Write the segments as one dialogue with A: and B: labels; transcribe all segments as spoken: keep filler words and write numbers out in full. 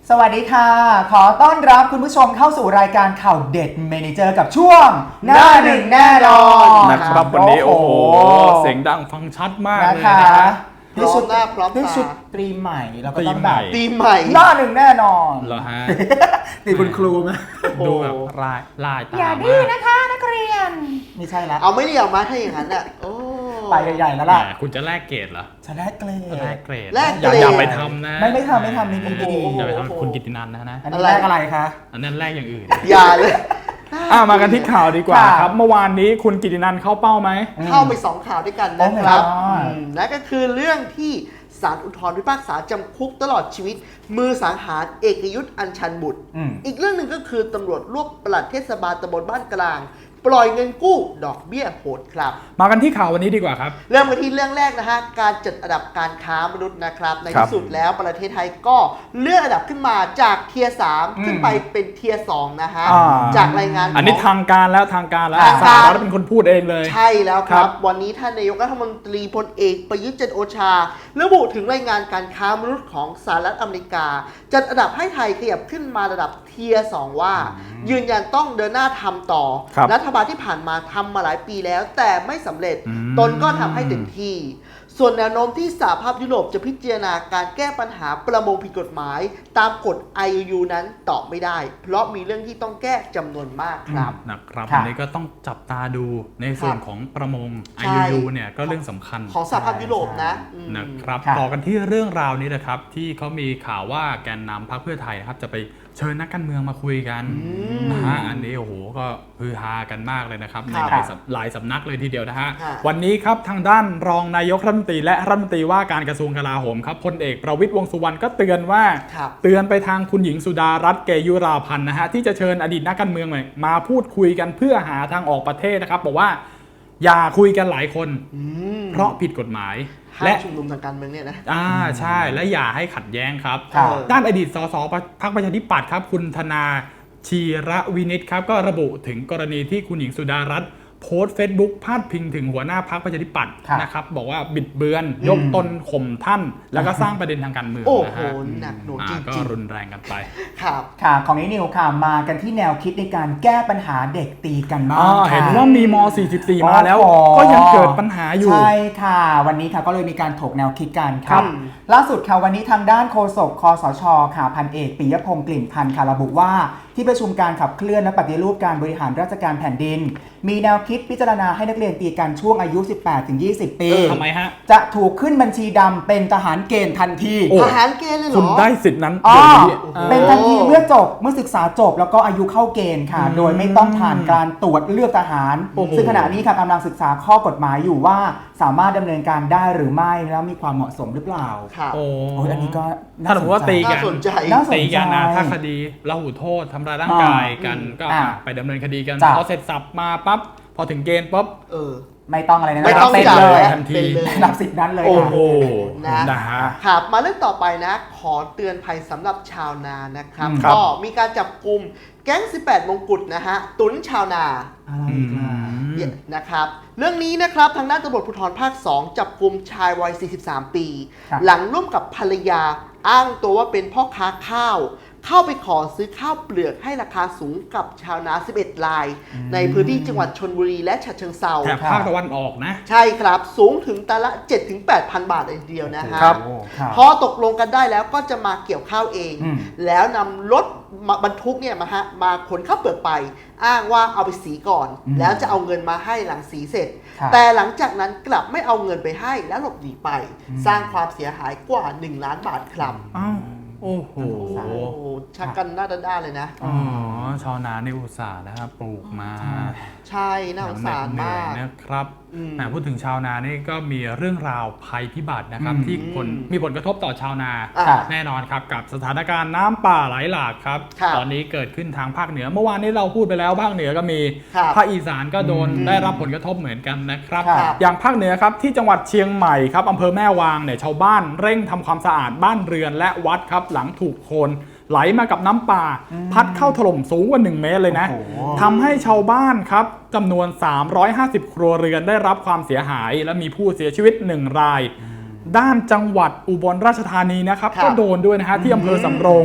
A: สวัสดีค่ะขอต้อนรับคุณผู้ชมเข้าสู่รายการข่าวเด็ดเมเนเจอร์กับช่วงหน้าหนึ่งแน่นอน
B: นะครับวันนี้โอ้โหเสียงดังฟังชัดมากเลยนะฮะ
A: ด้วยชุดหน้าพร้อมตาด้วยชุดตรีใหม่แล้วก็ต้องแบบ
C: ตรีใหม่
A: หน้าหนึ่งแน่นอน
B: เหรอฮะ
A: นี่คุณครูไหม
B: ดูแบบลายลายตา
A: อย่าดื้อนะคะนักเรียนไม่ใช่แล้ว
C: เอาไม่ได้เอามาถ้าอย่างนั้นอ่ะโอ้
A: ไปใหญ่ๆแล้วล่ะ
B: คุณจะแลกเกรดเหรอ
A: จะแลกเกรด
B: แลกเกรด
C: แลกเกรด
B: อย่าไปทำนะ
A: ไม่ไม่ทำไม่ทำนี่ดี
B: อย่าไปทำคุณกิตตินันนะนะ
A: อันนี้แลกอะไรคะ
B: อันนั้นแลกอย่างอื่น
C: อย่าเลย
B: อ่ามากันที่ข่าวดีกว่าครับเมื่อวานนี้คุณกิตตินันเข้าเป้าไหม
C: เข้าไปสองข่าวด้วยกันนะครับนั่นก็คือเรื่องที่ศาลอุทธรณ์พิพากษาจำคุกตลอดชีวิตมือสังหารเอกยุทธอัญชันบุตรอีกเรื่องหนึ่งก็คือตำรวจรวบปลัดเทศบาลตำบลบ้านกลางปล่อยเงินกู้ดอกเบี้ยโหดครับ
B: มากันที่ข่าววันนี้ดีกว่าครับ
C: เริ่มกันที่เรื่องแรกนะฮะการจัดอันดับการค้ามนุษย์นะครับในที่สุดแล้วประเทศไทยก็เลื่อนอันดับขึ้นมาจากเทียร์สามขึ้นไปเป็นเทียร์สองนะฮะจากรายงาน
B: อันนี้ทางการแล้วทางการแล้วศาลรัฐเป็นคนพูดเองเลย
C: ใช่แล้วครับวันนี้ท่านนายกรัฐมนตรีพลเอกประยุทธ์จันทร์โอชาระบุถึงรายงานการค้ามนุษย์ของสหรัฐอเมริกาจัดอันดับให้ไทยขยับขึ้นมาระดับเทียร์สองว่ายืนยันต้องเดินหน้าทำต่อรัฐบาลที่ผ่านมาทำมาหลายปีแล้วแต่ไม่สำเร็จตนก็ทำให้เต็มที่ส่วนแนวโน้มที่สหภาพยุโรปจะพิจารณาการแก้ปัญหาประมงผิดกฎหมายตามกฎ ไอ ยู ยู นั้นตอบไม่ได้เพราะมีเรื่องที่ต้องแก้จำนวนมากครับ
B: นะครับวันนี้ก็ต้องจับตาดูในส่วนของประมง ไอ ยู ยู เนี่ยก็เรื่องสำคัญ
C: ของสหภาพยุโรปนะ
B: นะครับต่อกันที่เรื่องราวนี้นะครับที่เขามีข่าวว่าแกนนำพรรคเพื่อไทยนะครับจะไปเชิญนักการเมืองมาคุยกันนะฮะอันนี้โอ้โหก็ฮือฮากันมากเลยนะครับในหลายสำนักเลยทีเดียวนะฮะวันนี้ครับทางด้านรองนายกรัฐมนตรีและรัฐมนตรีว่าการกระทรวงกลาโหมครับพลเอกประวิตรวงษ์สุวรรณก็เตือนว่าเตือนไปทางคุณหญิงสุดารัตน์เกยุราพันธ์นะฮะที่จะเชิญอดีตนักการเมืองมาพูดคุยกันเพื่อหาทางออกประเทศนะครับบอกว่าอย่าคุยกันหลายคนเพราะผิดกฎหมาย
C: และชุมนุมทางการเมืองเนี่ยนะ
B: อ่าใช่และอย่าให้ขัดแย้งครับด้านอดีตสสพรรคประชาธิปัตย์ครับคุณธนาชีระวินิตครับก็ระบุถึงกรณีที่คุณหญิงสุดารัตน์โพสต์เฟซบุ๊กพาดพิงถึงหัวหน้าพรรคประชาธิปัตย์นะครับบอกว่าบิดเบือนยกตนข่มท่านแล้วก็สร้างประเด็นทางการเมือง
C: นะฮะหนักหน่วงจริง
B: ก็รุนแรงกันไป
A: ครับค่ะของนี้นิวค่ะมากันที่แนวคิดในการแก้ปัญหาเด็กตีกันบ้าง
B: เห็นว่ามีม สี่สิบสี่ มาแล้วก็ยังเกิดปัญหาอยู่
A: ใช่ค่ะวันนี้ค่ะก็เลยมีการถกแนวคิดกันครับล่าสุดค่ะวันนี้ทางด้านโฆษกคสชค่ะพันเอกปิยพงษ์กลิ่นพันธ์ค่ะระบุว่าที่ประชุมการขับเคลื่อนและปฏิรูปการบริหารราชการแผ่นดินมีแนวคิดพิจารณาให้นักเรียนตีกันช่วงอายุ สิบแปดถึงยี่สิบ ปี
B: ทำไมฮะ
A: จะถูกขึ้นบัญชีดำเป็นทหารเกณฑ์ทันที
C: ทหารเกณฑ์เลยเหรอ
B: คุณได้สิทธินั้น
A: เป็นทันทีเมื่อจบเมื่อศึกษาจบแล้วก็อายุเข้าเกณฑ์ค่ะโดยไม่ต้องผ่านการตรวจเลือกทหารซึ่งขณะนี้ค่ะกำลังศึกษาข้อกฎหมายอยู่ว่าสามารถดำเนินการได้หรือไม่แล้วมีความเหมาะสมหรือเปล่า
C: โอ้
A: อันนี้ก็
B: ถ้าสมมติว่าตีกันตีกันนะถ้าคดีละหูโทษทำร้ายร่างกายกันก็ไปดำเนินคดีกันพอเสร็จสับมาปั๊บพอถึงเกณฑ์ปั๊บ
C: เออ
A: ไม่ต้องอะไรนะ
C: ไม่ต้องเป็นเลย
B: ทันที
A: รับสิทธิ์นั้นเลย
B: โอ้โห
C: นะฮะครับมาเรื่องต่อไปนะขอเตือนภัยสำหรับชาวนานะครับก็มีการจับกลุ่มแก๊งสิบแปดมงกุฎนะฮะตุนชาวนานะครับเรื่องนี้นะครับทางด้านตำรวจภูธรภาคสองจับกลุ่มชายวัยสี่สิบสามปีหลังร่วมกับภรรยาอ้างตัวว่าเป็นพ่อค้าข้าวเข้าไปขอซื้อข้าวเปลือกให้ราคาสูงกับชาวนาสิบเอ็ดรายในพื้นที่จังหวัดชลบุรีและฉะเชิงเทรา
B: แถบภาคตะวันออกนะ
C: ใช่ครับสูงถึงตันละ เจ็ดถึงแปดพัน บาทเลยทีเดียวนะฮะพอตกลงกันได้แล้วก็จะมาเกี่ยวข้าวเองแล้วนำรถบรรทุกเนี่ยมาฮะมาขนข้าวเปลือกไปอ้างว่าเอาไปสีก่อนแล้วจะเอาเงินมาให้หลังสีเสร็จแต่หลังจากนั้นกลับไม่เอาเงินไปให้แล้วหลบหนีไปสร้างความเสียหายกว่าหนึ่งล้านบาทครับ
B: โอ้โห
C: ชักกันหน้าด้านๆเลยนะ
B: อ๋อชาวนาในอุตสาหนะครับปลูกมา
C: ใช่น่าสงสารมาก
B: นะครับพูดถึงชาวนานี่ก็มีเรื่องราวภัยพิบัตินะครับที่คนมีผลกระทบต่อชาวนาแน่นอนครับกับสถานการณ์น้ำป่าไหลหลากครับตอนนี้เกิดขึ้นทางภาคเหนือเมื่อวานนี้เราพูดไปแล้วภาคเหนือก็มีภาคอีสานก็โดนได้รับผลกระทบเหมือนกันนะครับอย่างภาคเหนือครับที่จังหวัดเชียงใหม่ครับอำเภอแม่วางเนี่ยชาวบ้านเร่งทำความสะอาดบ้านเรือนและวัดครับหลังถูกโคลนไหลมากับน้ำป่าพัดเข้าถล่มสูงกว่าหนึ่งเมตรเลยนะทำให้ชาวบ้านครับจำนวนสามร้อยห้าสิบครัวเรือนได้รับความเสียหายและมีผู้เสียชีวิตหนึ่งรายด้านจังหวัดอุบลราชธานีนะครับก็โดนด้วยนะฮะที่อำเภอสำโรง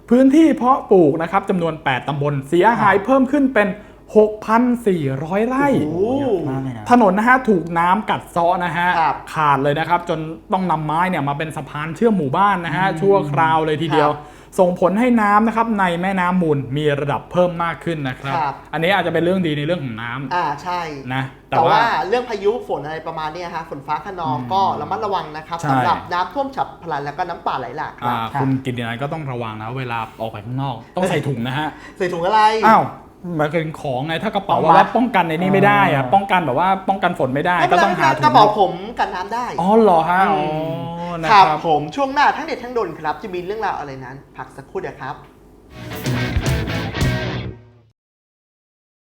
B: พื้นที่เพาะปลูกนะครับจำนวน แปด ตำบลเสียหายเพิ่มขึ้นเป็น หกพันสี่ร้อย ไร่
C: โอ้
A: มากเลยนะ
B: ถนนนะฮะถูกน้ำกัดเซาะนะฮะ
C: ครับ
B: ขาดเลยนะครับ จนต้องนำไม้เนี่ยมาเป็นสะพานเชื่อมหมู่บ้านนะฮะชั่วคราวเลยทีเดียว ส่งผลให้น้ำนะครับในแม่น้ำมูลมีระดับเพิ่มมากขึ้นนะครับ
C: ครับ
B: อันนี้อาจจะเป็นเรื่องดีในเรื่องของน้ำ
C: อ่าใช่
B: นะแต่
C: แต่
B: ว่า
C: ว่าเรื่องพายุฝนอะไรประมาณเนี้ยฮะฝนฟ้าคะนองก็ระมัดระวังนะครับ
B: ใช่
C: สำหรับน้ำท่วมฉับพลันแล้วก็น้ำป่าไหลหลากค
B: อ่า
C: รับ
B: คุณกิตตินัยก็ต้องระวังนะเวลาออกไปข้างนอก ต้องใส่ถุงนะฮะ
C: ใส่ถุงอะไร
B: อ้าวหมายถึงของไงถ้ากระเป๋า
A: ต้องมัด
B: ว่าป้องกันในนี้ไม่ได้อะ
A: อ่า
B: ป้องกันแบบว่าป้องกันฝนไม่ได้
C: ไม่เป็
B: ก็
C: นไร
B: ต้องหาถุง
C: กระเป๋าผมกันน้ำได้
B: อ๋อเหรอฮะอ๋อนะ
C: ค
B: ค
C: รั
B: รั
C: บบ ผมช่วงหน้าทั้งเด็ดทั้งโดนครับ จะมีเรื่องราวอะไรนั้น พักสักครู่เดียวครับ